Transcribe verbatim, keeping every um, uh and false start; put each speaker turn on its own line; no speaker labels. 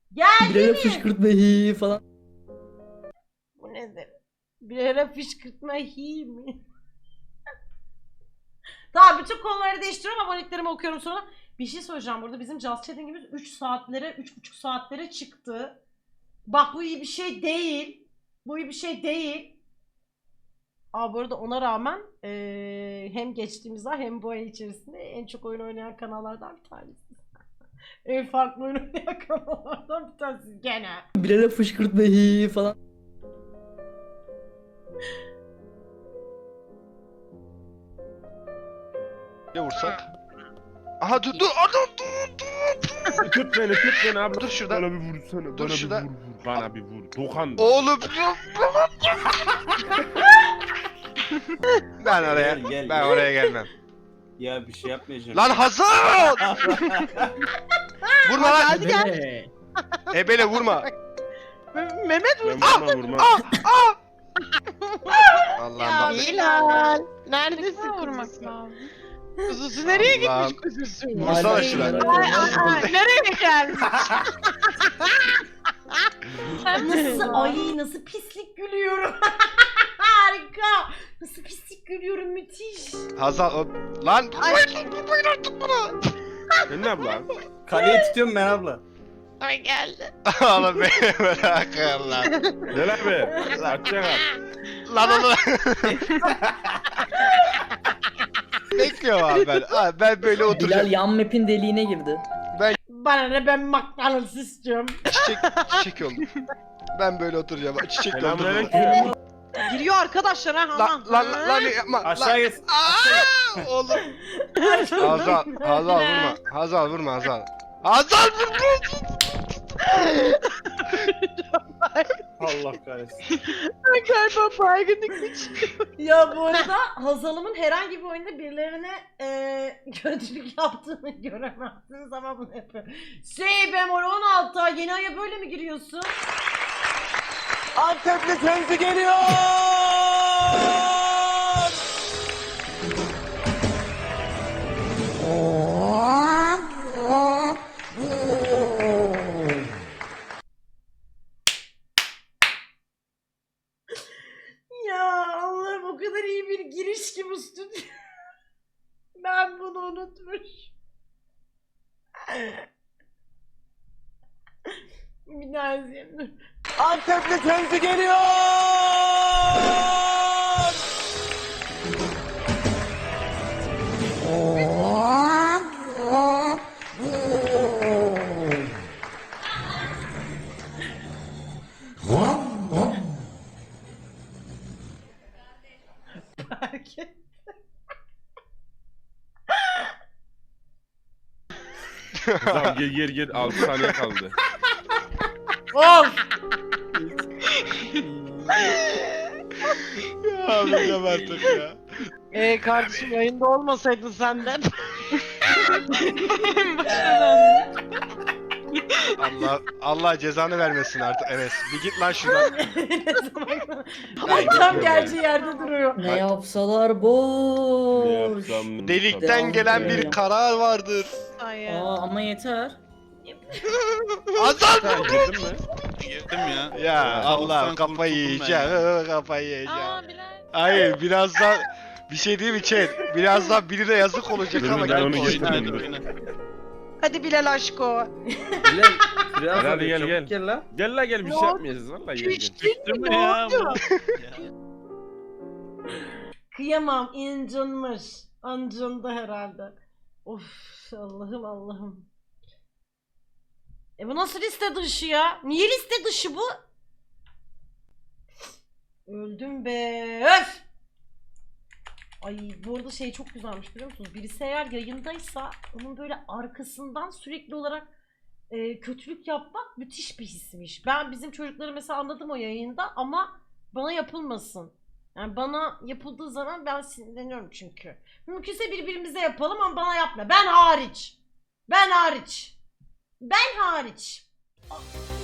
Geldi
Birine
mi?
fışkırtma hi falan.
Bu nedir? Bir ara fışkırtma hi mi? Tamam, bütün konuları değiştiriyorum, aboneliklerimi okuyorum sonra. Bir şey söyleyeceğim, burada bizim Just Chatting'imiz üç saatlere, üç buçuk saatlere çıktı. Bak bu iyi bir şey değil. Bu iyi bir şey değil. Aa, bu arada ona rağmen eee, hem geçtiğimiz ay hem bu ay içerisinde en çok oyun oynayan kanallardan bir tanesi. En farklı oyun oynayan kanallardan bir tanesi gene.
Birine fışkırtma hi falan.
Ne vursak? Aha dur dur adam dur dur.
Tut beni tut beni abla.
Dur şuradan.
Bana bir vursana.
Dur
Bana
şurada.
bir vur vur. Bana bir vur. Dokan.
Oğlum. ben oraya
Gel, gel,
ben
gel.
oraya gelmem.
Ya bir şey yapmayacağım.
Lan Hasan! Vurma lan.
Hadi gel.
Ebele vurma.
Mehmet
Ben vurma vurma.
Allah'ım bak.
Bilal. Neredesin kuzusu? Kuzusu nereye
Allah'ım.
gitmiş kuzusu?
Vursana
Hala
şuna.
merak
Ay,
ediyorum.
ay, ay, nereye gelmiş?
Nasıl, ay nasıl pislik gülüyorum. Harika. Nasıl pislik gülüyorum, müthiş.
Hazal o... Lan vurmayın vurmayın artık bana.
Sen ne abla?
Kaleye tutuyorum ben abla.
Ay geldi.
Oğlum beni bırakın lan.
Gel abi. Açacak abi.
Lan onu... Bekliyorum abi ben. Abi ben böyle
Bilal
oturacağım.
yan map'in deliğine girdi.
Bana ne, ben McDonald's istiyorum.
Çiçek, çiçek oldu. Ben böyle oturacağım. Çiçek oldu.
Selamünaleyküm.
Giriyor arkadaşlar ha.
Lan
aman.
lan lan lan yapma.
Aşağı
Lan.
git.
Aa, oğlum. Hazal, Hazal vurma. Hazal vurma Hazal. Hazal vurma.
Allah kahretsin.
Ben galiba baygınlık geçiyor.
Ya bu arada Hazal'ımın herhangi bir oyunda birilerine eee kötülük yaptığını göremezsiniz ama bunu yapıyor. Şey bemol on altı, yeni aya böyle mi giriyorsun?
Antepli kendi geliyor.
Ya Allah'ım, o kadar iyi bir giriş ki bu stüdyo. Ben bunu unutmuş. Bir daha izleyeyim dur.
Antepli kendi geliyor.
Fark et.
Tamam gel gel gel. altı saniye kaldı.
Of!
Ya abi artık ya.
Ee kardeşim yayında olmasaydın senden.
Allah Allah cezanı vermesin artık Enes. Bir git lan şuradan.
Tam geleceği yerde duruyor.
Ne yapsalar boş.
Ne yapsam?
Delikten
Devam
gelen
edelim.
bir karar vardır.
Ay ya.
Aa ama yeter.
Hazal
Sen girdin mi?
Girdim ya.
Ya Allah
Sen
kafayı
kurtuldun
yiyeceğim. Kafayı yiyeceğim.
Aa Bilal.
Hayır birazdan bir şey değil mi chat? Birazdan birine yazık olacak
Dur,
ama
ben
gel
onu
koy.
getirdim.
Oyna, oyna.
Hadi Bilal aşko.
Bilal biraz
Hadi gel,
çabuk
gel.
gel lan.
Gel la gel bir
Ne
şey
oldu?
yapmayacağız valla gel
Hiç
gel.
değil mi?
Değil
Ne
mi ya?
oldu?
Ya.
Kıyamam, incinmiş. Ancındı herhalde. Of, Allah'ım Allah'ım. E bu nasıl liste dışı ya? Niye liste dışı bu? Öldüm be. Öf! Ay bu arada şey çok güzelmiş, biliyor musunuz? Birisi eğer yayındaysa onun böyle arkasından sürekli olarak e, kötülük yapmak müthiş bir hismiş. Ben bizim çocukları mesela anladım o yayında ama bana yapılmasın. Yani bana yapıldığı zaman ben sinirleniyorum çünkü. Mümkünse birbirimize yapalım ama bana yapma. Ben hariç. Ben hariç. Ben hariç.